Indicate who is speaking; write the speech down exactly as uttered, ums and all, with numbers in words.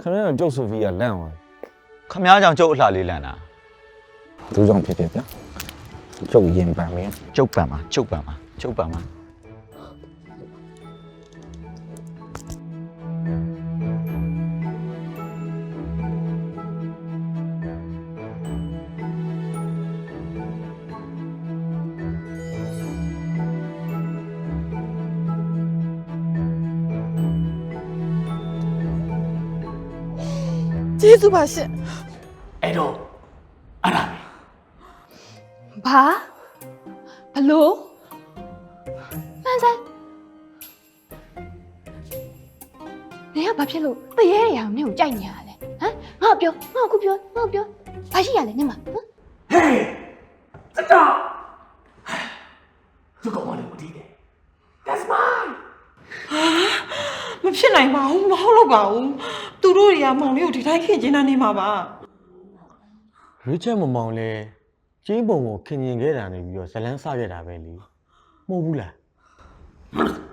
Speaker 1: ခဏတော့ကျုပ်ဆိုဖီကလန့်သွား
Speaker 2: ခမားကြောင့်ကျုပ်အလှလေးလန့်တာ
Speaker 1: သူကြောင့်ဖြစ်ဖြစ်ဗျာကျုပ်ရင်ပန်မင်း
Speaker 2: ကျုပ်ပံမှာကျုပ်ပံမှာကျုပ်ပံမှာ
Speaker 3: ကျေးဇူးပါရှင်
Speaker 4: အဲ့တော့အဲ့ဒါ
Speaker 3: ဘာဘလို့မှန်စမ်းနေကဘာဖြစ်လို့တရေရအောင်နင့်ကိုကြိုက်နေရလဲဟမ်ငါ့ပြောငါ့ကိုပြောငါ့ပြောဘာရှိရလဲနင့်မဟမ်
Speaker 4: ဟေးစတောက်သူကောင်မလေးကိုတီးတယ် That's mine
Speaker 5: မဖြစ်နိုင်ပါဘူးမဟုတ်လို့ပါဘူးသူတို့တွေကမောင်လေးကိုဒီတိုင်းခင်ကျင်းနေမှာပါ
Speaker 1: ရွေးချက်မမောင်လဲကျင်းပုံကိုခင်ရင်ခဲ့တာနေပြီးတော့ဇလန်းစခဲ့တာပဲလीမဟုတ်ဘူးလား